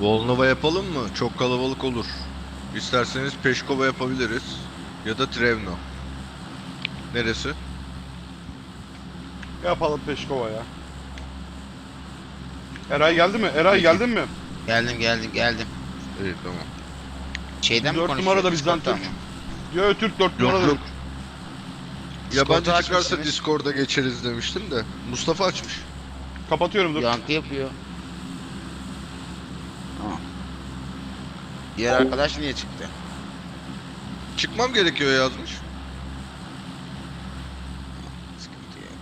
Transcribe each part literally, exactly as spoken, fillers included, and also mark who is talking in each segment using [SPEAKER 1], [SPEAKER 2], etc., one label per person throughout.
[SPEAKER 1] Volnova yapalım mı? Çok kalabalık olur. İsterseniz Peşkova yapabiliriz. Ya da Trevno. Neresi?
[SPEAKER 2] Yapalım Peşkova ya. Eray geldi mi? Eray
[SPEAKER 3] Peki.
[SPEAKER 2] geldin mi?
[SPEAKER 3] Geldim geldim geldim.
[SPEAKER 1] İyi, tamam.
[SPEAKER 3] Şeyden mi
[SPEAKER 2] Dört numara
[SPEAKER 3] konuşuyoruz?
[SPEAKER 2] da bizden
[SPEAKER 3] Discord'dan
[SPEAKER 2] Türk.
[SPEAKER 3] mı?
[SPEAKER 2] Yo Türk dört
[SPEAKER 1] Yok
[SPEAKER 2] numara da
[SPEAKER 1] yok.
[SPEAKER 2] Türk.
[SPEAKER 3] Discord'u
[SPEAKER 1] Yabancı çıkarsa
[SPEAKER 3] açmışsınız.
[SPEAKER 1] Discord'a geçeriz demiştim de. Mustafa açmış.
[SPEAKER 2] Kapatıyorum dur.
[SPEAKER 3] Yankı yapıyor. Tamam. Diğer arkadaş niye çıktı?
[SPEAKER 1] Çıkmam gerekiyor yazmış.
[SPEAKER 3] Sıkıntı yok.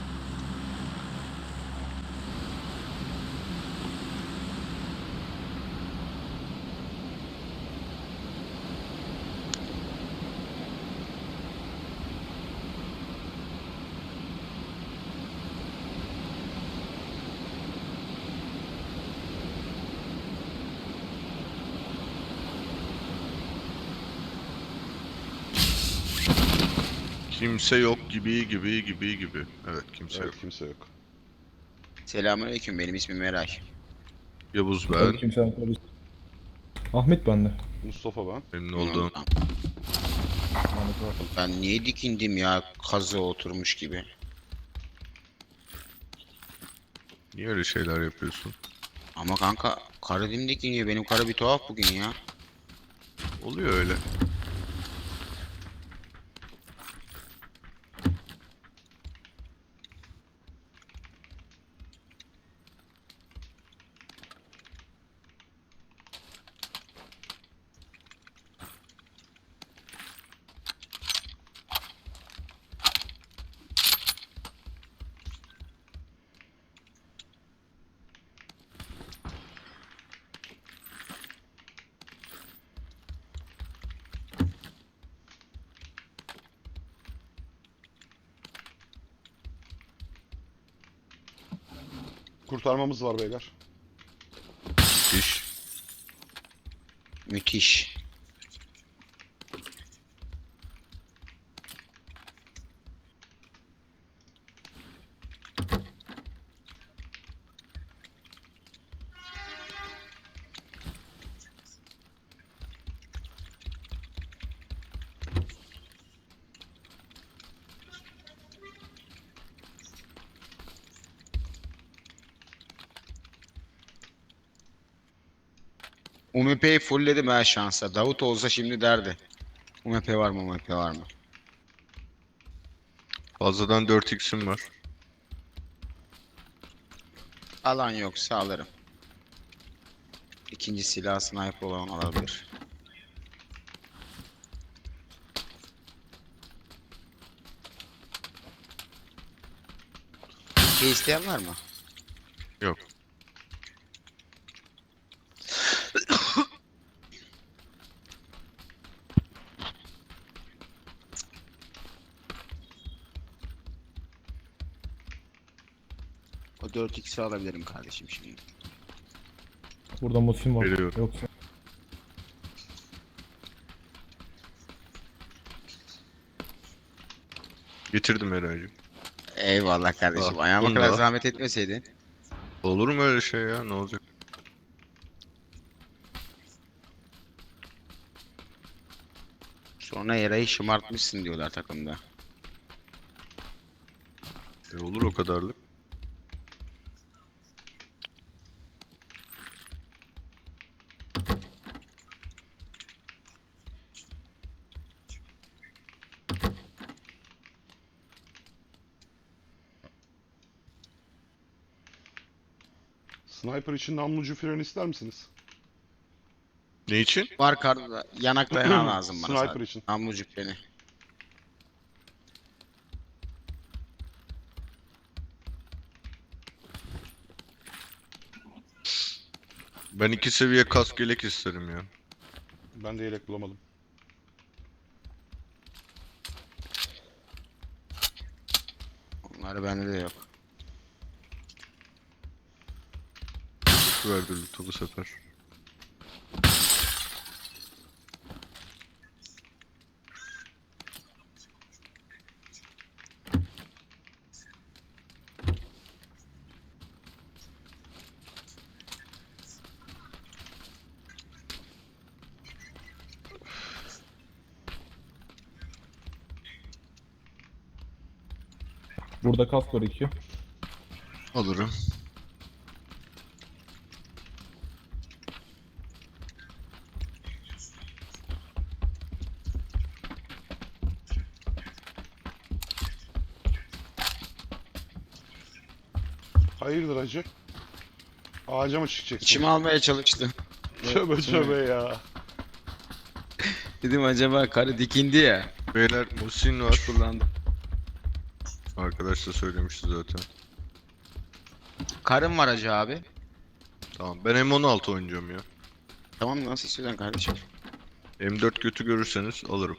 [SPEAKER 1] Kimse yok gibi gibi gibi gibi. Evet, kimse yok.
[SPEAKER 2] Evet kimse yok.
[SPEAKER 3] Selamünaleyküm. Benim ismim Meral.
[SPEAKER 1] Yavuz ben.
[SPEAKER 4] Aleykümselam kardeşim. Ahmet ben de.
[SPEAKER 2] Mustafa ben.
[SPEAKER 1] Memnun
[SPEAKER 3] Memnun
[SPEAKER 1] oldum.
[SPEAKER 3] oldum.
[SPEAKER 4] Ahmet var.
[SPEAKER 3] Ben niye dikindim ya kazığa oturmuş gibi?
[SPEAKER 1] Niye öyle şeyler yapıyorsun?
[SPEAKER 3] Ama kanka karı dimdik iniyor. Benim karı bir tuhaf bugün ya.
[SPEAKER 1] Oluyor öyle.
[SPEAKER 2] Kurtarmamız var beyler.
[SPEAKER 1] İş.
[SPEAKER 3] Müthiş. U M P'yi fullledim ha şansa. Davut olsa şimdi derdi. U M P var mı, U M P var mı?
[SPEAKER 1] Fazladan dört x'im var.
[SPEAKER 3] Alan yoksa alırım. İkinci silah sniper olan alabilir. Şey isteyen var mı?
[SPEAKER 1] Yok.
[SPEAKER 3] O dört x'i alabilirim kardeşim şimdi.
[SPEAKER 4] Burada motifim var.
[SPEAKER 1] Veriyorum.
[SPEAKER 4] Yoksa.
[SPEAKER 1] Getirdim Eray'cığım.
[SPEAKER 3] Eyvallah kardeşim.
[SPEAKER 1] Ah,
[SPEAKER 3] Ayağıma
[SPEAKER 1] bunu
[SPEAKER 3] kadar
[SPEAKER 1] da.
[SPEAKER 3] zahmet etmeseydin.
[SPEAKER 1] Olur mu öyle şey ya? Ne olacak?
[SPEAKER 3] Sonra Eray'ı şımartmışsın diyorlar takımda.
[SPEAKER 1] E olur o kadarlık.
[SPEAKER 2] Sniper için namlucu fren ister misiniz?
[SPEAKER 1] Ne için?
[SPEAKER 3] Var karda yanak dayanağı lazım bana
[SPEAKER 2] Sniper
[SPEAKER 3] sadece.
[SPEAKER 2] için.
[SPEAKER 3] Namlucuk beni.
[SPEAKER 1] Ben iki seviye kask yelek isterim ya.
[SPEAKER 2] Ben de yelek bulamadım.
[SPEAKER 3] Onları bende de yok.
[SPEAKER 1] Verdi lütfu bu sefer.
[SPEAKER 4] Burada kask var iki.
[SPEAKER 1] Alırım.
[SPEAKER 2] Hayırdır hacı? Ağaca mı çıkacaksın?
[SPEAKER 3] İçimi almaya çalıştı.
[SPEAKER 2] Tövbe tövbe ya.
[SPEAKER 3] Dedim acaba karı dikindi ya.
[SPEAKER 1] Beyler Musin var.
[SPEAKER 3] Kullandım.
[SPEAKER 1] Arkadaş da söylemişti zaten.
[SPEAKER 3] Karım var hacı abi.
[SPEAKER 1] Tamam ben M on altı oynayacağım ya.
[SPEAKER 3] Tamam nasıl istiyorsan kardeşim.
[SPEAKER 1] M dört götü görürseniz alırım.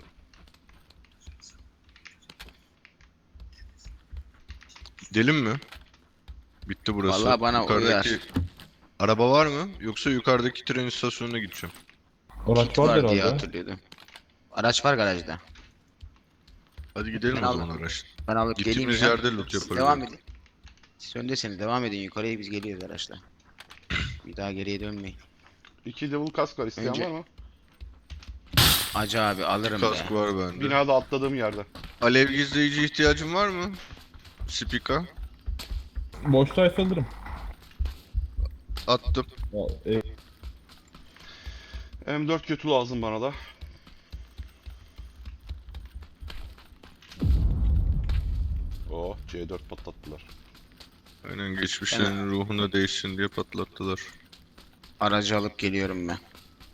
[SPEAKER 1] Gidelim mi? Bitti burası.
[SPEAKER 3] Vallahi bana
[SPEAKER 1] Yukarıdaki...
[SPEAKER 3] uyar.
[SPEAKER 1] Araba var mı? Yoksa yukarıdaki tren istasyonuna gideceğim.
[SPEAKER 4] Araç
[SPEAKER 3] Kit
[SPEAKER 4] var
[SPEAKER 3] var diye
[SPEAKER 4] herhalde.
[SPEAKER 3] hatırlıyordum. Araç var garajda.
[SPEAKER 1] Hadi gidelim
[SPEAKER 3] Ben
[SPEAKER 1] o
[SPEAKER 3] aldım.
[SPEAKER 1] zaman araçla.
[SPEAKER 3] Ben alıp geleyim
[SPEAKER 1] Gittiğimiz
[SPEAKER 3] ya.
[SPEAKER 1] yerde loot yaparız.
[SPEAKER 3] Devam edin. Siz öndesiniz devam edin yukarıya biz geliyoruz araçla. Bir daha geriye dönmeyin.
[SPEAKER 2] İki level kask var, isteyen
[SPEAKER 3] Önce-
[SPEAKER 2] var mı?
[SPEAKER 3] Hacı abi alırım be.
[SPEAKER 1] Kask var bende.
[SPEAKER 2] Binada atladığım yerde.
[SPEAKER 1] Alev gizleyici ihtiyacın var mı? Spika.
[SPEAKER 4] Boştaysa alırım.
[SPEAKER 1] Attım.
[SPEAKER 4] Ya, e,
[SPEAKER 2] M dört kötü lazım bana da. Oh, C dört patlattılar.
[SPEAKER 1] Aynen geçmişlerin ruhuna değişsin diye patlattılar.
[SPEAKER 3] Aracı alıp geliyorum ben.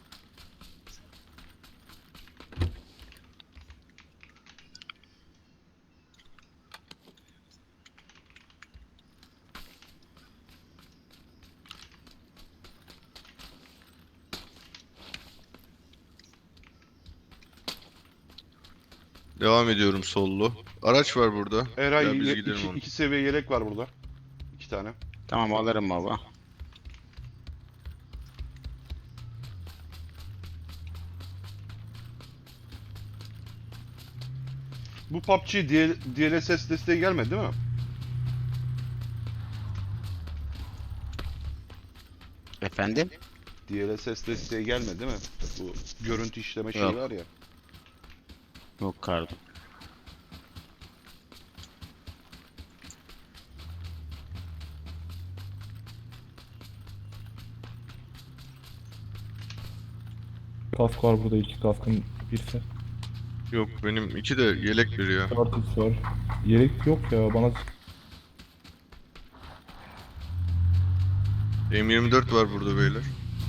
[SPEAKER 1] Devam ediyorum sollu. Araç var burada.
[SPEAKER 2] Eray
[SPEAKER 1] Gel biz
[SPEAKER 2] ye-
[SPEAKER 1] gidelim
[SPEAKER 2] iki,
[SPEAKER 1] onu.
[SPEAKER 2] iki seviye yelek var burada. İki tane.
[SPEAKER 3] Tamam alırım baba.
[SPEAKER 2] Bu P U B G D L S S desteği gelmedi değil mi?
[SPEAKER 3] Efendim?
[SPEAKER 2] D L S S desteği gelmedi değil mi? Bu görüntü işleme şeyi
[SPEAKER 3] Yok.
[SPEAKER 2] var ya.
[SPEAKER 3] Yok kardım.
[SPEAKER 4] kask var burada iki kaskın birisi.
[SPEAKER 1] Yok benim iki de yelek biri ya.
[SPEAKER 4] dört x var. Yelek yok ya bana
[SPEAKER 1] M yirmi dört var burada beyler.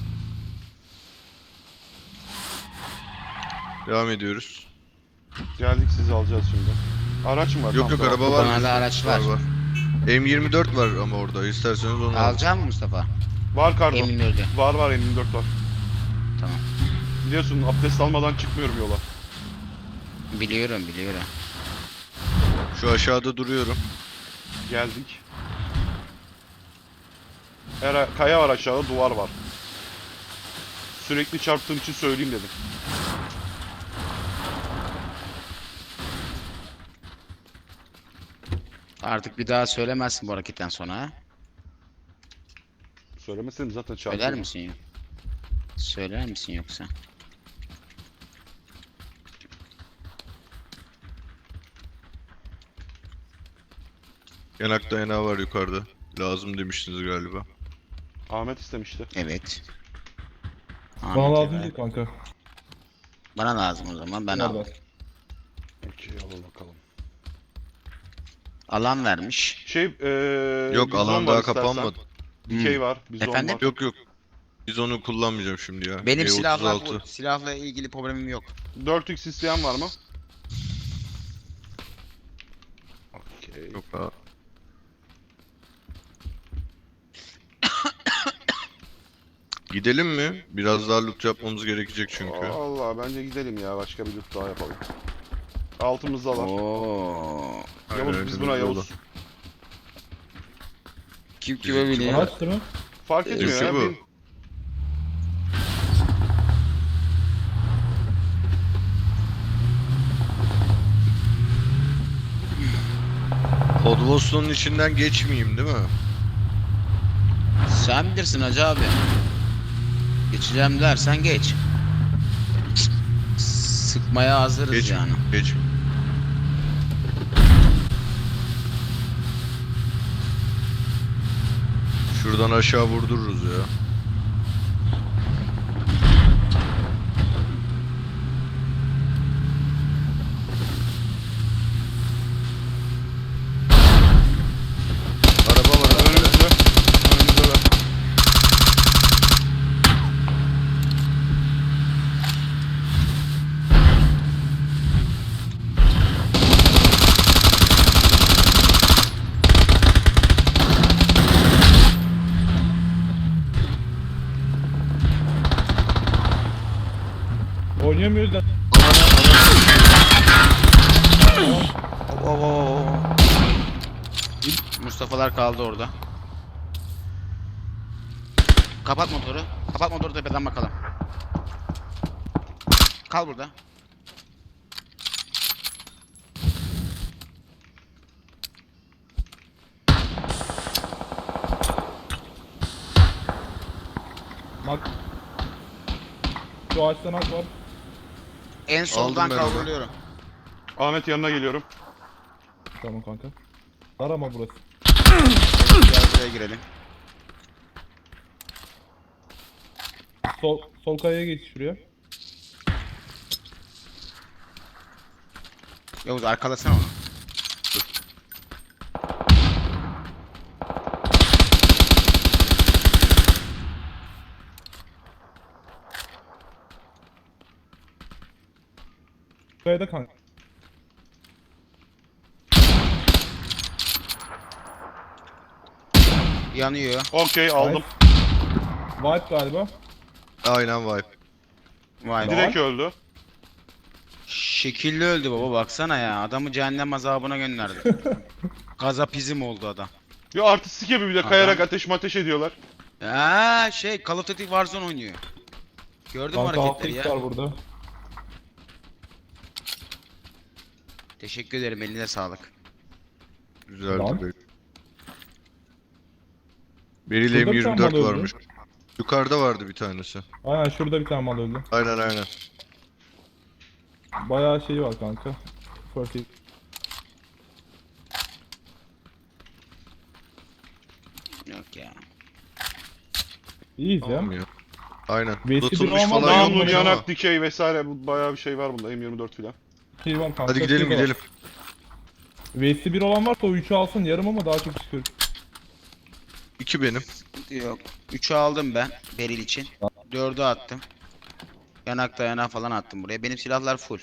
[SPEAKER 1] Devam ediyoruz.
[SPEAKER 2] Geldik, sizi alacağız şimdi. Araç mı var?
[SPEAKER 1] Yok
[SPEAKER 2] Tam
[SPEAKER 1] yok
[SPEAKER 2] tarafta.
[SPEAKER 1] araba var.
[SPEAKER 3] Bana da araç var.
[SPEAKER 1] M yirmi dört var ama orada. İsterseniz onu alın.
[SPEAKER 3] Alacak mısın Mustafa?
[SPEAKER 2] Var kargo.
[SPEAKER 3] Emin öldü.
[SPEAKER 2] Var var, M yirmi dört var.
[SPEAKER 3] Tamam.
[SPEAKER 2] Biliyorsun abdest almadan çıkmıyorum yola.
[SPEAKER 3] Biliyorum biliyorum.
[SPEAKER 1] Şu aşağıda duruyorum.
[SPEAKER 2] Geldik. Era, kaya var aşağıda, duvar var. Sürekli çarptığım için söyleyeyim dedim.
[SPEAKER 3] Artık bir daha söylemezsin bu hareketten sonra ha?
[SPEAKER 2] Söylemeseydim zaten
[SPEAKER 3] Söyler
[SPEAKER 2] çarptım.
[SPEAKER 3] misin ya? Söyler misin yoksa?
[SPEAKER 1] Yanak dayanağı var yukarıda. Lazım demiştiniz galiba.
[SPEAKER 2] Ahmet istemişti.
[SPEAKER 3] Evet.
[SPEAKER 4] bana
[SPEAKER 3] Ahmet
[SPEAKER 4] lazım
[SPEAKER 3] evet.
[SPEAKER 4] değil kanka.
[SPEAKER 3] Bana lazım o zaman ben
[SPEAKER 4] Nerede?
[SPEAKER 3] al.
[SPEAKER 2] Okey, alalım bakalım.
[SPEAKER 3] Alan vermiş.
[SPEAKER 2] Şey, eee...
[SPEAKER 1] Yok
[SPEAKER 2] bizon
[SPEAKER 1] alan
[SPEAKER 2] var
[SPEAKER 1] daha
[SPEAKER 2] istersen.
[SPEAKER 1] kapanmadı.
[SPEAKER 2] Dikey var, bizon
[SPEAKER 3] Efendim?
[SPEAKER 2] var.
[SPEAKER 1] Yok yok. Biz onu kullanmayacağım şimdi ya.
[SPEAKER 3] Benim
[SPEAKER 1] E otuz
[SPEAKER 3] silahla
[SPEAKER 1] altı.
[SPEAKER 3] bu silahla ilgili problemim yok.
[SPEAKER 2] dört x isteyen var mı? Okey.
[SPEAKER 1] Yok ha. Gidelim mi? Biraz daha loot yapmamız gerekecek çünkü.
[SPEAKER 2] Allah, bence gidelim ya, başka bir loot daha yapalım. Altımızdalar.
[SPEAKER 3] Oo.
[SPEAKER 2] Yavuz,
[SPEAKER 1] Aynen,
[SPEAKER 2] biz buna
[SPEAKER 1] önümüzde
[SPEAKER 2] Yavuz.
[SPEAKER 3] Kim kime biniyor?
[SPEAKER 4] Araç değil mi?
[SPEAKER 2] Fark etmiyor
[SPEAKER 1] Bizimki
[SPEAKER 2] ya.
[SPEAKER 1] bu.
[SPEAKER 2] bin-
[SPEAKER 1] Podvoslu'nun içinden geçmeyeyim değil mi?
[SPEAKER 3] Sen bilirsin hacı abi. Geçeceğim dersen geç. Sıkmaya hazırız
[SPEAKER 1] Geç.
[SPEAKER 3] yani.
[SPEAKER 1] Geç. Şuradan aşağı vurdururuz ya. Araba var abi.
[SPEAKER 2] Önümüzde. Önümüzde de.
[SPEAKER 4] Oynayamıyoruz da.
[SPEAKER 3] Oo, oo, oo. Mustafa'lar kaldı orada. Kapat motoru. Kapat motoru, tepeden bakalım. Kal burada.
[SPEAKER 4] Bak. Şu ağaçtan ak var.
[SPEAKER 3] En soldan
[SPEAKER 1] ben onu.
[SPEAKER 3] kavruluyorum.
[SPEAKER 2] Ahmet yanına geliyorum.
[SPEAKER 4] Tamam kanka. Dar ama burası.
[SPEAKER 3] Gel buraya girelim.
[SPEAKER 4] Sol, sol kayaya geç şuraya.
[SPEAKER 3] Yavuz arkalasana onu.
[SPEAKER 4] Kayada kanka.
[SPEAKER 3] Yanıyor.
[SPEAKER 2] Okey aldım.
[SPEAKER 4] Wipe galiba.
[SPEAKER 1] Aynen vibe.
[SPEAKER 3] Vay be.
[SPEAKER 2] Direkt öldü.
[SPEAKER 3] Şekilli öldü baba, baksana ya. Adamı cehennem azabına gönderdi. Gazapizm oldu adam.
[SPEAKER 2] Ya artistik yapıyor bir de
[SPEAKER 3] Adam-
[SPEAKER 2] kayarak ateş ateş ediyorlar.
[SPEAKER 3] Ha şey, Call of Duty Warzone oynuyor. Gördün mü
[SPEAKER 4] Kanka
[SPEAKER 3] hareketleri
[SPEAKER 4] hafif
[SPEAKER 3] ya?
[SPEAKER 4] var burada.
[SPEAKER 3] Teşekkür ederim, eline sağlık.
[SPEAKER 1] Güzeldi
[SPEAKER 4] Lan.
[SPEAKER 1] Beril. Beril
[SPEAKER 4] Şurada
[SPEAKER 1] M
[SPEAKER 4] bir tane
[SPEAKER 1] yirmi dört
[SPEAKER 4] mal öldü.
[SPEAKER 1] varmış. Yukarıda vardı bir tanesi.
[SPEAKER 4] Aynen şurada bir tane mal öldü.
[SPEAKER 1] Aynen aynen.
[SPEAKER 4] Bayağı şey var kanka. First aid.
[SPEAKER 3] Yok ya.
[SPEAKER 4] İyiyiz ya.
[SPEAKER 1] Tamam ya. Aynen.
[SPEAKER 4] Vesile
[SPEAKER 1] Tutulmuş
[SPEAKER 4] bir roman
[SPEAKER 1] falan
[SPEAKER 4] var.
[SPEAKER 2] Namlu,
[SPEAKER 1] yokmuş ama.
[SPEAKER 2] yanak, dikey vesaire bu bayağı bir şey var bunda M yirmi dört filan.
[SPEAKER 4] Şey var kanka.
[SPEAKER 1] Hadi gidelim
[SPEAKER 4] şey var.
[SPEAKER 1] gidelim.
[SPEAKER 4] V'si bir olan varsa o üçü alsın yarım ama daha çok çıkıyor.
[SPEAKER 1] İki benim.
[SPEAKER 3] Yok. üçü aldım ben Beril için. dördü attım. Yanak dayanağı falan attım buraya. Benim silahlar full.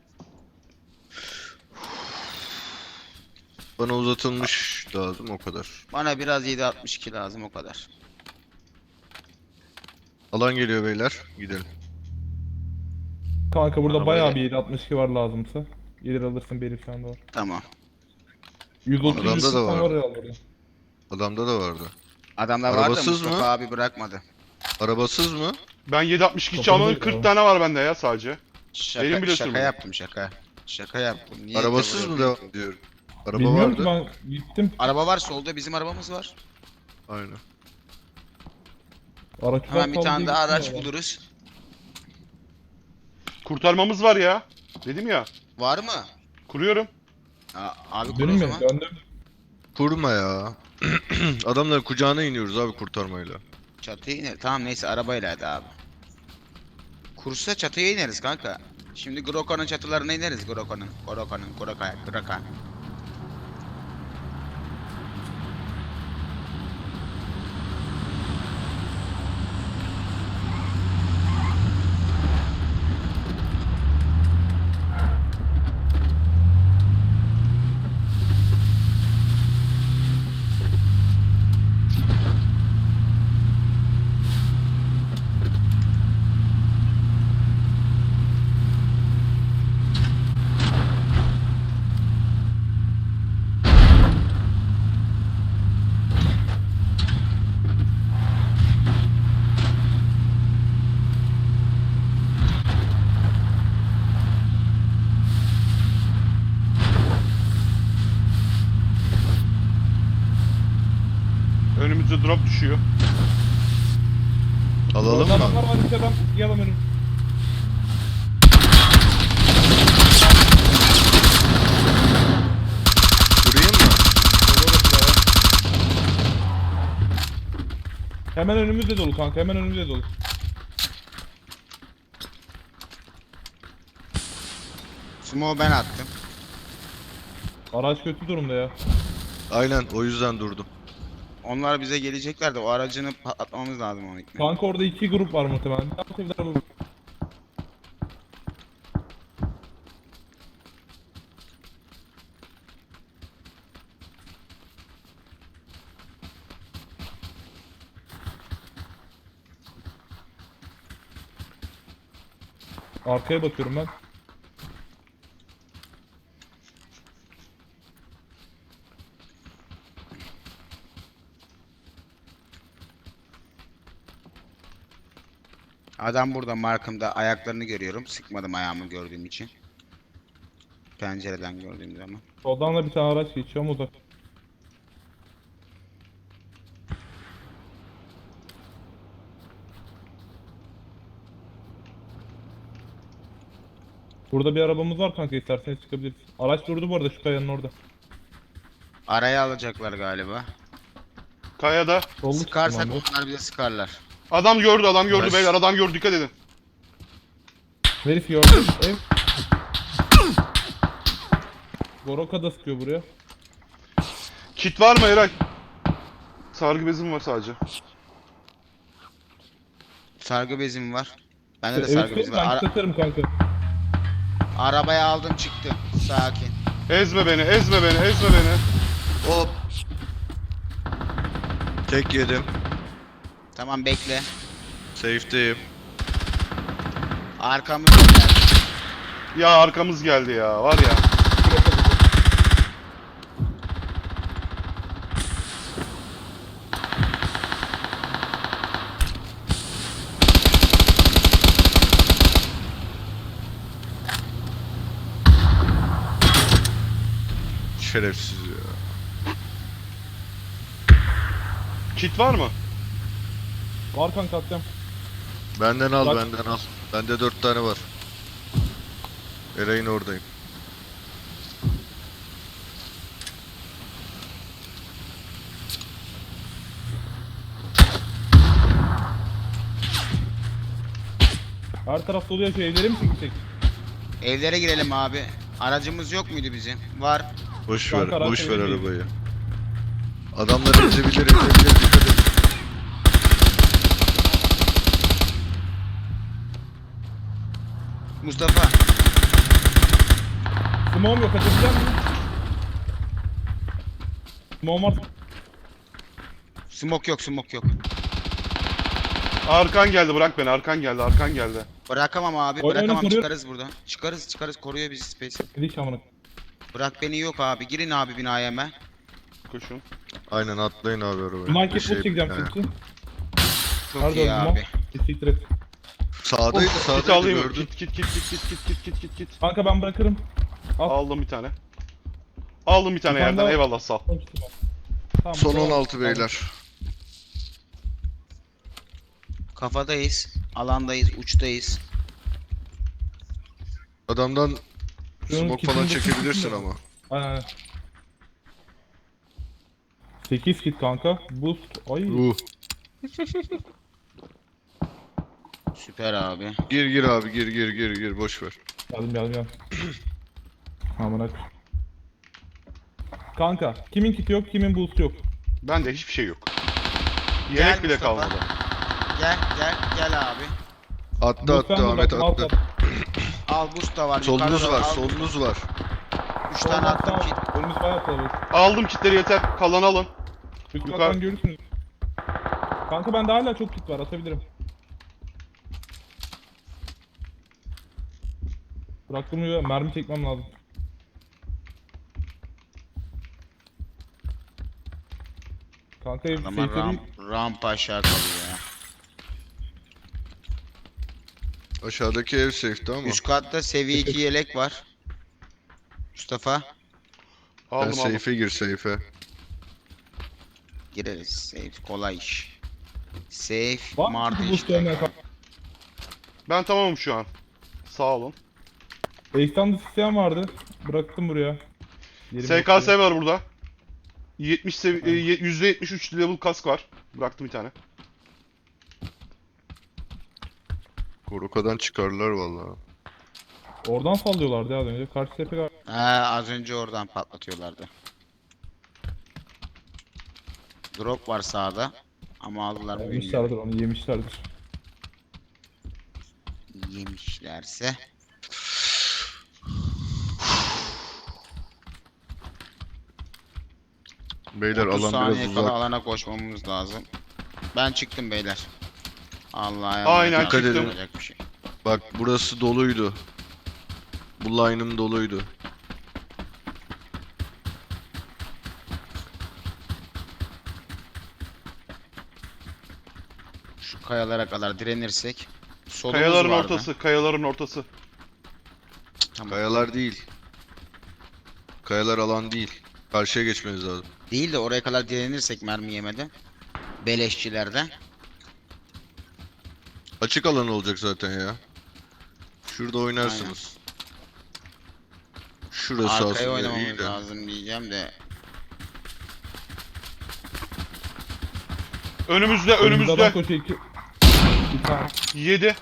[SPEAKER 1] Bana uzatılmış lazım o kadar.
[SPEAKER 3] Bana biraz yedi altmış iki lazım, o kadar.
[SPEAKER 1] Alan geliyor beyler. Gidelim.
[SPEAKER 4] Kanka burada
[SPEAKER 3] Arabayla-
[SPEAKER 4] bayağı bir yedi altmış iki var lazımsa. Gelir alırsın benim sende var.
[SPEAKER 3] Tamam.
[SPEAKER 4] yüz otuz
[SPEAKER 1] Adamda
[SPEAKER 4] yüz
[SPEAKER 1] da
[SPEAKER 4] otuz
[SPEAKER 1] var.
[SPEAKER 4] var herhalde burada.
[SPEAKER 1] Adamda da vardı.
[SPEAKER 3] Adamlar vardı,
[SPEAKER 1] Arabasız
[SPEAKER 3] Mustafa
[SPEAKER 1] mı?
[SPEAKER 3] abi bırakmadı.
[SPEAKER 1] Arabasız mı?
[SPEAKER 2] Ben yedi altmış iki
[SPEAKER 4] Kapalı
[SPEAKER 2] çalmanın
[SPEAKER 4] değil
[SPEAKER 2] kırk
[SPEAKER 4] ama.
[SPEAKER 2] tane var bende ya sadece.
[SPEAKER 3] Şaka,
[SPEAKER 2] Benim bile
[SPEAKER 3] şaka
[SPEAKER 2] sürmedim.
[SPEAKER 3] yaptım şaka. Şaka yaptım. Niye
[SPEAKER 1] Arabasız mı
[SPEAKER 3] vuruyorsun?
[SPEAKER 1] devam ediyor? Araba
[SPEAKER 4] Bilmiyorum ki
[SPEAKER 1] vardı.
[SPEAKER 4] ben gittim.
[SPEAKER 3] Araba var solda, bizim arabamız var.
[SPEAKER 1] Aynen.
[SPEAKER 4] Araç
[SPEAKER 3] Hemen bir
[SPEAKER 4] kaldı
[SPEAKER 3] tane
[SPEAKER 4] diye
[SPEAKER 3] daha
[SPEAKER 4] gittim
[SPEAKER 3] araç
[SPEAKER 4] ya.
[SPEAKER 3] buluruz.
[SPEAKER 2] Kurtarmamız var ya. Dedim ya.
[SPEAKER 3] Var mı?
[SPEAKER 2] Kuruyorum.
[SPEAKER 3] Aa, abi kur o
[SPEAKER 4] Dönüm
[SPEAKER 3] zaman.
[SPEAKER 4] mi? Döndüm.
[SPEAKER 1] Kurma ya. Adamların kucağına iniyoruz abi kurtarmayla.
[SPEAKER 3] Çatıya iner. Tamam neyse, arabayla hadi abi. Kursa çatıya ineriz kanka. Şimdi Groko'nun çatılarına ineriz, Groko'nun. Groko'nun, Groko'ya, Groko'ya.
[SPEAKER 2] Önümüzde drop düşüyor.
[SPEAKER 1] Alalım
[SPEAKER 4] Orada
[SPEAKER 1] mı?
[SPEAKER 4] adamlar var, iki adam, iki adam önüm.
[SPEAKER 1] Kurayım mı?
[SPEAKER 4] Hemen önümüzde dolu kanka, hemen önümüzde dolu.
[SPEAKER 3] Smoke'u ben attım.
[SPEAKER 4] Araç kötü durumda ya.
[SPEAKER 1] Aynen o yüzden durdum.
[SPEAKER 3] Onlar bize gelecekler de o aracını patlatmamız lazım onu ikna.
[SPEAKER 4] Kanka orada iki grup var muhtemelen. Tam sevdiler bu. Arkaya bakıyorum ben.
[SPEAKER 3] Adam burada markımda ayaklarını görüyorum. Sıkmadım ayağımı gördüğüm için. Pencereden gördüğüm zaman.
[SPEAKER 4] Soldan da bir tane araç geçiyor ama uzak. Burada bir arabamız var kanka, isterseniz çıkabiliriz. Araç durdu bu arada şu kayanın orada.
[SPEAKER 3] Araya alacaklar galiba.
[SPEAKER 2] Kayada.
[SPEAKER 4] Sollu
[SPEAKER 3] Sıkarsak
[SPEAKER 4] çıktım
[SPEAKER 3] onlar bize sıkarlar.
[SPEAKER 2] Adam gördü, adam gördü
[SPEAKER 1] Baş-
[SPEAKER 2] beyler, adam gördü, dikkat edin.
[SPEAKER 4] Herif gördüm. Ev. Goroka da sıkıyor buraya.
[SPEAKER 2] Kit var mı Eray? Sargı bezim var sadece.
[SPEAKER 3] Sargı bezim var. Bende de
[SPEAKER 4] Evet,
[SPEAKER 3] sargı
[SPEAKER 4] evet,
[SPEAKER 3] bezi var.
[SPEAKER 4] ben
[SPEAKER 3] Ara-
[SPEAKER 4] satarım kanka.
[SPEAKER 3] Arabaya aldım çıktım. Sakin.
[SPEAKER 2] Ezme beni, ezme beni, ezme beni.
[SPEAKER 1] Hop. Tek yedim.
[SPEAKER 3] Tamam bekle.
[SPEAKER 1] Safe'deyim.
[SPEAKER 3] Arkamızda geldi.
[SPEAKER 2] Ya arkamız geldi ya, var ya.
[SPEAKER 1] Şerefsiz ya.
[SPEAKER 2] Kit var mı?
[SPEAKER 4] Var kanka, atacağım.
[SPEAKER 1] Benden al
[SPEAKER 4] Bak.
[SPEAKER 1] benden al. Bende dört tane var. Eray'ın oradayım.
[SPEAKER 4] Her taraf doluyor, şu evlere mi çekecek?
[SPEAKER 3] Evlere girelim abi. Aracımız yok muydu bizim? Var.
[SPEAKER 1] Boş
[SPEAKER 4] Kanka,
[SPEAKER 1] ver,
[SPEAKER 4] araç
[SPEAKER 1] boş ver
[SPEAKER 4] evi değil.
[SPEAKER 1] arabayı. Adamlar ezebilir, ezebilir, dikkat et.
[SPEAKER 3] Mustafa.
[SPEAKER 4] Smoke'um yok, atacağım mı? Smoke'um var.
[SPEAKER 3] Smoke yok smoke yok.
[SPEAKER 2] Arkan geldi, bırak beni, arkan geldi, arkan geldi.
[SPEAKER 3] Bırakamam abi.
[SPEAKER 4] Oyna,
[SPEAKER 3] Bırakamam.
[SPEAKER 4] oyna, koruyor.
[SPEAKER 3] Çıkarız buradan. Çıkarız çıkarız. Koruyor bizi Space.
[SPEAKER 4] Gidiş amına.
[SPEAKER 3] Bırak beni yok abi. Girin abi binaya hemen.
[SPEAKER 2] Koşun.
[SPEAKER 1] Aynen atlayın abi arabaya.
[SPEAKER 4] Market
[SPEAKER 1] Bir
[SPEAKER 4] bot
[SPEAKER 1] şey-
[SPEAKER 4] çekeceğim
[SPEAKER 1] he.
[SPEAKER 4] çünkü.
[SPEAKER 3] Çok
[SPEAKER 4] Pardon,
[SPEAKER 3] iyi
[SPEAKER 4] Cuma.
[SPEAKER 3] abi.
[SPEAKER 4] Siktir et.
[SPEAKER 1] Sağdaydı,
[SPEAKER 2] Kit
[SPEAKER 1] sağdaydı
[SPEAKER 2] alayım mı?
[SPEAKER 1] gördün.
[SPEAKER 2] Kit, kit, kit, kit, kit, kit, kit, kit, kit, kit.
[SPEAKER 4] Kanka ben bırakırım. Al.
[SPEAKER 2] Aldım bir tane. Aldım bir tane
[SPEAKER 4] Bir tane
[SPEAKER 2] yerden,
[SPEAKER 4] daha-
[SPEAKER 2] eyvallah, sağ ol.
[SPEAKER 4] Tamam,
[SPEAKER 1] Son
[SPEAKER 4] tamam.
[SPEAKER 1] on altı
[SPEAKER 4] Tamam.
[SPEAKER 1] beyler.
[SPEAKER 3] Kafadayız. Alandayız. Uçtayız.
[SPEAKER 1] Adamdan
[SPEAKER 4] Şunun
[SPEAKER 1] smoke falan
[SPEAKER 4] kitini
[SPEAKER 1] çekebilirsin
[SPEAKER 4] tutun
[SPEAKER 1] ama.
[SPEAKER 4] Aynen aynen. sekiz kit kanka. Boost. Ay.
[SPEAKER 1] Uh.
[SPEAKER 3] Süper abi.
[SPEAKER 1] Gir gir abi, gir gir gir gir, boş ver.
[SPEAKER 4] Geldim geldim geldim. Amına koy. Kanka kimin kiti yok, kimin boost yok.
[SPEAKER 2] Bende hiçbir şey yok.
[SPEAKER 3] Gel
[SPEAKER 2] Yelek bile
[SPEAKER 3] Mustafa.
[SPEAKER 2] kalmadı.
[SPEAKER 3] Gel gel gel abi.
[SPEAKER 1] Attı
[SPEAKER 4] Boost'tan
[SPEAKER 1] attı
[SPEAKER 4] da
[SPEAKER 1] Ahmet
[SPEAKER 4] bıraktım, alt
[SPEAKER 1] attı.
[SPEAKER 4] kat.
[SPEAKER 3] Al boost da var.
[SPEAKER 1] Solunuz
[SPEAKER 3] yukarıda
[SPEAKER 1] var,
[SPEAKER 3] al.
[SPEAKER 1] solunuz var.
[SPEAKER 3] Üç tane
[SPEAKER 4] Soldan
[SPEAKER 3] attım
[SPEAKER 4] sağ-
[SPEAKER 3] kit.
[SPEAKER 4] Önümüz bayağı kalabalık.
[SPEAKER 2] Aldım kitleri, yeter. Kalanı alın.
[SPEAKER 4] Üst
[SPEAKER 2] Yukarı-
[SPEAKER 4] kattan görürsünüz. Kanka bende hala çok kit var, atabilirim. Bıraktım ya, mermi çekmem lazım. Kanka ev
[SPEAKER 3] Ama
[SPEAKER 4] safe'e
[SPEAKER 3] ram,
[SPEAKER 4] bir...
[SPEAKER 3] rampa aşağı kalıyor ya.
[SPEAKER 1] Aşağıdaki ev safe'ti ama.
[SPEAKER 3] Üst katta seviye iki yelek var. Mustafa.
[SPEAKER 1] Sen
[SPEAKER 2] Aldım, aldım.
[SPEAKER 1] safe'e gir, safe'e.
[SPEAKER 3] Gireriz. Safe. Kolay iş. Safe.
[SPEAKER 4] Var mı
[SPEAKER 3] Martı
[SPEAKER 4] boost
[SPEAKER 3] işte.
[SPEAKER 4] olmayan kanka?
[SPEAKER 2] Ben tamamım şu an. Sağ olun.
[SPEAKER 4] Ace'den de sistem vardı. Bıraktım buraya. Yerim
[SPEAKER 2] S K S
[SPEAKER 4] yok.
[SPEAKER 2] var burada. yetmiş sevi- e, ye- yüzde yetmiş üç level kask var. Bıraktım bir tane.
[SPEAKER 1] Koroka'dan çıkarlar vallahi.
[SPEAKER 4] Oradan sallıyorlardı ya az önce. Karşı tepe galiba.
[SPEAKER 3] Ha, az önce oradan patlatıyorlardı. Drop var sağda. Ama aldılar mı bilmiyorum.
[SPEAKER 4] Yemişlerdir onu, yemişlerdir.
[SPEAKER 3] Yemişlerse.
[SPEAKER 1] Beyler
[SPEAKER 3] otuz
[SPEAKER 1] alan
[SPEAKER 3] saniye
[SPEAKER 1] biraz
[SPEAKER 3] kala
[SPEAKER 1] uzak.
[SPEAKER 3] alana koşmamız lazım. Ben çıktım beyler. Allah'a
[SPEAKER 2] Aynen,
[SPEAKER 3] emanet olun.
[SPEAKER 1] çıktım.
[SPEAKER 3] Yapacak bir şey.
[SPEAKER 1] Bak burası doluydu. Bu line'ım doluydu.
[SPEAKER 3] Şu kayalara kadar direnirsek. Solumuz
[SPEAKER 2] Kayaların
[SPEAKER 3] vardı.
[SPEAKER 2] ortası, kayaların ortası.
[SPEAKER 3] Tamam.
[SPEAKER 1] Kayalar değil. Kayalar alan değil. Karşıya geçmeniz lazım.
[SPEAKER 3] Değil de oraya kadar direnirsek mermi yemeden. Beleşçilerden.
[SPEAKER 1] Açık alan olacak zaten ya. Şurada oynarsınız. Şurası
[SPEAKER 3] Arkaya
[SPEAKER 1] aslında iyi
[SPEAKER 3] oynamamız
[SPEAKER 1] de.
[SPEAKER 3] lazım diyeceğim de.
[SPEAKER 2] Önümüzde,
[SPEAKER 4] Önümüzde adam
[SPEAKER 2] önümüzde.
[SPEAKER 4] koşuyor iki. Bir tane.
[SPEAKER 2] Yedi.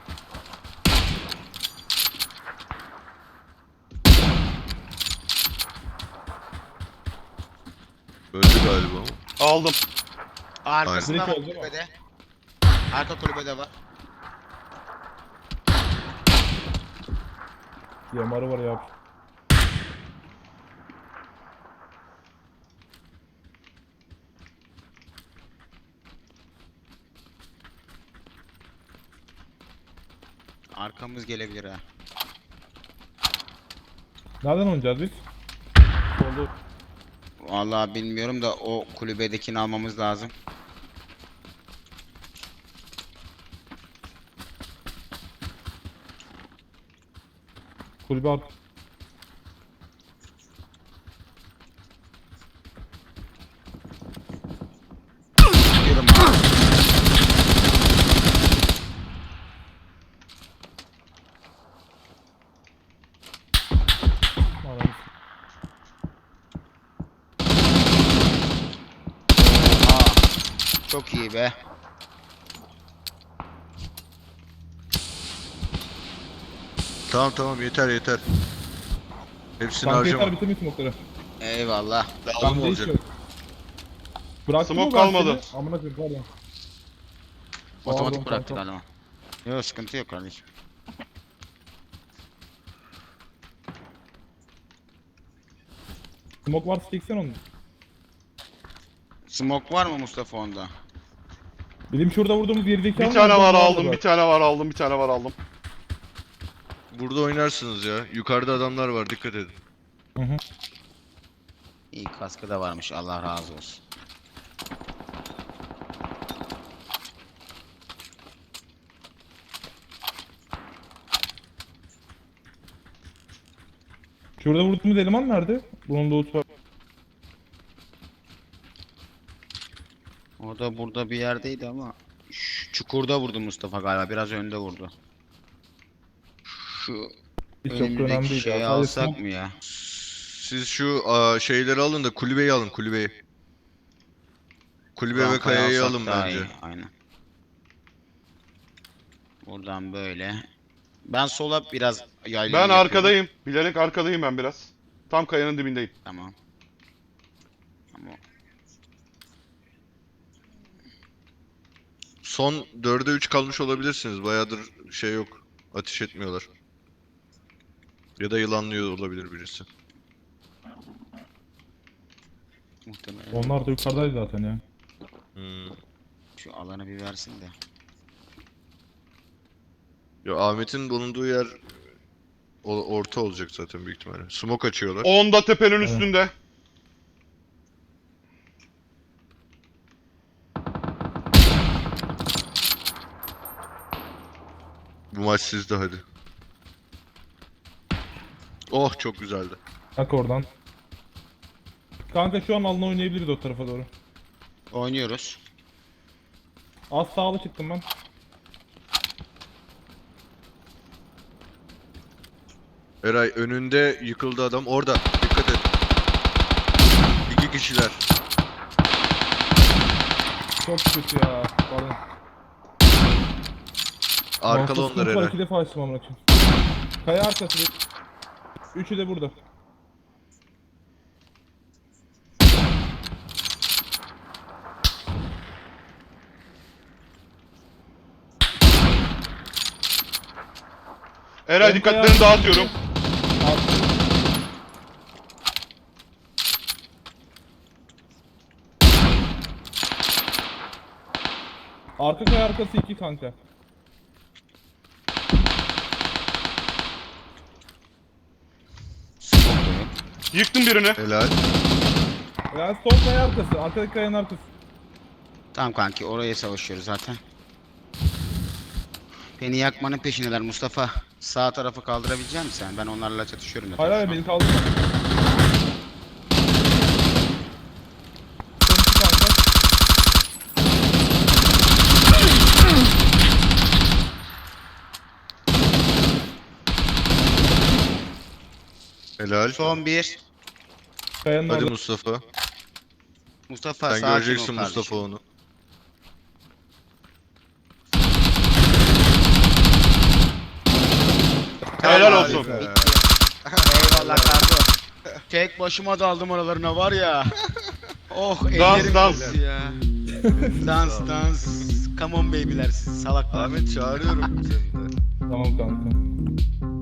[SPEAKER 1] Öldü galiba ama.
[SPEAKER 2] Aldım.
[SPEAKER 3] Arkasında
[SPEAKER 4] Direkt
[SPEAKER 3] var
[SPEAKER 4] öldü mü?
[SPEAKER 3] kulübede. Arka kulübede var.
[SPEAKER 4] Yamarı var ya.
[SPEAKER 3] Arkamız gelebilir ha.
[SPEAKER 4] Nereden oynayacağız biz? Solda.
[SPEAKER 3] Vallahi bilmiyorum da o kulübedekini almamız lazım.
[SPEAKER 4] Kulübe arka.
[SPEAKER 3] Diyorum abi.
[SPEAKER 4] Ananı
[SPEAKER 3] Oha. Çok iyi be.
[SPEAKER 1] Tamam tamam yeter yeter. Hepsini
[SPEAKER 4] Kanka
[SPEAKER 1] harcama.
[SPEAKER 4] yeter bitirmiş smokeları.
[SPEAKER 3] Eyvallah.
[SPEAKER 1] Lazım
[SPEAKER 4] Bende hiç
[SPEAKER 1] olacak.
[SPEAKER 4] yok. Bıraktın
[SPEAKER 2] Smoke
[SPEAKER 4] mı ben
[SPEAKER 2] kalmadı.
[SPEAKER 4] seni? Amına koyayım pardon.
[SPEAKER 3] Otomatik
[SPEAKER 4] Pardon,
[SPEAKER 3] bıraktı
[SPEAKER 4] kanka.
[SPEAKER 3] galiba. Yok sıkıntı yok kardeşim.
[SPEAKER 4] Smoke varsa çeksen onu.
[SPEAKER 3] Smoke var mı Mustafa onda?
[SPEAKER 4] Benim şurada vurduğumuz yerdeki
[SPEAKER 2] Bir tane var aldım, bir tane var aldım, bir tane var aldım.
[SPEAKER 1] Burada oynarsınız ya. Yukarıda adamlar var dikkat edin.
[SPEAKER 4] Hı hı.
[SPEAKER 3] İyi kaskı da varmış, Allah razı olsun.
[SPEAKER 4] Şurada vurduğumuz eleman nerede? Bunun loot var.
[SPEAKER 3] O da burada bir yerdeydi ama şu çukurda vurdu Mustafa galiba, biraz önde vurdu. Şu
[SPEAKER 4] Hiç çok da önemli
[SPEAKER 3] önümüzdeki
[SPEAKER 4] değil.
[SPEAKER 3] şeyi
[SPEAKER 4] ya. Sadece
[SPEAKER 3] alsak
[SPEAKER 4] smoke-
[SPEAKER 3] mı ya?
[SPEAKER 1] Siz şu aa, şeyleri alın da kulübeyi alın kulübeyi. Kulübe ve
[SPEAKER 3] Rampayı
[SPEAKER 1] kayayı
[SPEAKER 3] alsak
[SPEAKER 1] alın
[SPEAKER 3] daha
[SPEAKER 1] bence.
[SPEAKER 3] iyi, aynen. Buradan böyle. Ben sola biraz yaylayayım.
[SPEAKER 2] Ben
[SPEAKER 3] yapıyorum.
[SPEAKER 2] arkadayım. Bilerek arkadayım ben biraz. Tam kayanın dibindeyim.
[SPEAKER 3] Tamam. Tamam.
[SPEAKER 1] Son dörde üç kalmış olabilirsiniz. Bayağıdır şey yok. Ateş etmiyorlar. Ya da yılanlıyor olabilir birisi.
[SPEAKER 3] Muhtemelen
[SPEAKER 4] Onlar da yukarıdaydı zaten ya.
[SPEAKER 1] Hmm.
[SPEAKER 3] şu alanı bir versin de.
[SPEAKER 1] Ya Ahmet'in bulunduğu yer o- orta olacak zaten büyük ihtimalle. Smoke açıyorlar.
[SPEAKER 2] Onda tepenin
[SPEAKER 4] Evet.
[SPEAKER 2] üstünde.
[SPEAKER 1] Bu maç sizde hadi. Oh çok güzeldi.
[SPEAKER 4] Bak oradan. Kanka şu an alına oynayabiliriz o tarafa doğru.
[SPEAKER 3] Oynuyoruz.
[SPEAKER 4] Az sağlı çıktım ben.
[SPEAKER 1] Eray önünde yıkıldı adam. Orada. Dikkat et. İki kişiler.
[SPEAKER 4] Çok kötü ya. Pardon.
[SPEAKER 1] Arkalı
[SPEAKER 4] Monster
[SPEAKER 1] onlar
[SPEAKER 4] Scoop var,
[SPEAKER 1] Eray.
[SPEAKER 4] iki defa açtım amına koyayım. Kaya arkası bir. Üçü de burada.
[SPEAKER 2] Eray
[SPEAKER 4] Ben
[SPEAKER 2] dikkatlerini
[SPEAKER 4] bayağı-
[SPEAKER 2] dağıtıyorum.
[SPEAKER 4] Arka kaya arkası iki kanka.
[SPEAKER 3] Smoke da yok.
[SPEAKER 2] Yıktım birini.
[SPEAKER 1] Helal.
[SPEAKER 4] Yani sol kaya arkası. Arkadaki kayanın arkası.
[SPEAKER 3] Tamam kanki oraya savaşıyoruz zaten. Beni yakmanın peşindeler Mustafa. Sağ tarafı kaldırabilecek misin sen? Ben onlarla çatışıyorum zaten.
[SPEAKER 4] Hayır hayır
[SPEAKER 3] şu an.
[SPEAKER 4] beni kaldırma. Son iki kanka.
[SPEAKER 1] Helal.
[SPEAKER 3] Son bir.
[SPEAKER 4] Kayanın
[SPEAKER 1] Hadi
[SPEAKER 4] orada.
[SPEAKER 1] Mustafa.
[SPEAKER 3] Mustafa
[SPEAKER 1] Sen
[SPEAKER 3] sakin ol
[SPEAKER 1] göreceksin
[SPEAKER 3] kardeşim.
[SPEAKER 1] Mustafa onu.
[SPEAKER 2] Helal olsun.
[SPEAKER 1] Be.
[SPEAKER 3] Eyvallah Kardo. Tek başıma daldım oralarına var ya. Oh
[SPEAKER 2] Dans,
[SPEAKER 3] ellerim
[SPEAKER 2] dans.
[SPEAKER 3] kırıldı ya. Dans dans. Come on baby'ler siz salaklar.
[SPEAKER 1] Ahmet çağırıyorum seni de.
[SPEAKER 4] Tamam kanka.